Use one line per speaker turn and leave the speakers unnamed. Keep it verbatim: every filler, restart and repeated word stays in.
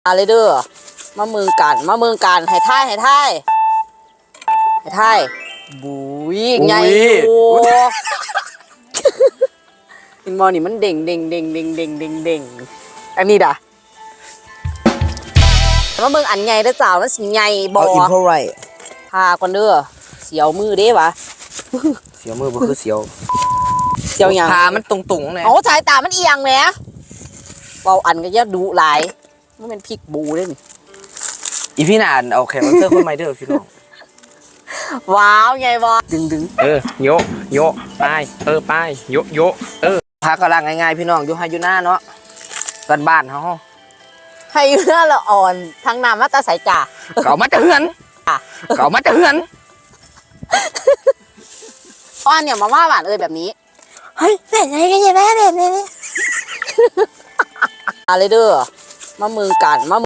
อะไรเด้อมาเมืองกันมาเมืองกันให้ท่ายให้ท่ายให้ท่ายบุยไงอยู่อินมอนี่มันเด้งเด้งเด้งเด้งเด้งเด้งเด้งอันนี้ด่ะมาเมืองอันไงเด้อจ้ามันสิไงบอ
เอาอินเท่าไร
พาก่อนเด้อเสียวมือเด้วะ
เสียวมือบ่คือเสียว
เสียวยัง
พามันตรงๆเลย
โอ้สายตามันเอียงแหมเบาอันก็จะดุหลายมันเป็นพริกบูเด้น
อีพี่นานเอาแขกรับเชิญคนใหม่เด้อพี่น้อง
ว้าวไงบอดึงดึง
เออโยโยไปเออไปโยโยเออ
พากำลังง่ายๆพี่น้องอยู่ไฮยูน่าเนาะบ้านบ้านๆเฮา
ให้เนื้อละอ่อนทางน้ำมาตาสายจ่า
เก่ามาจะเฮือนเก่ามาจะเฮือน
อ้อนเนี่ยมาว่าหวานเอ่ยแบบนี้
เฮ้ยเป็นไงกันเนี่ยแม่แบบนี้
อะไรเด้อมาเมืองกันมา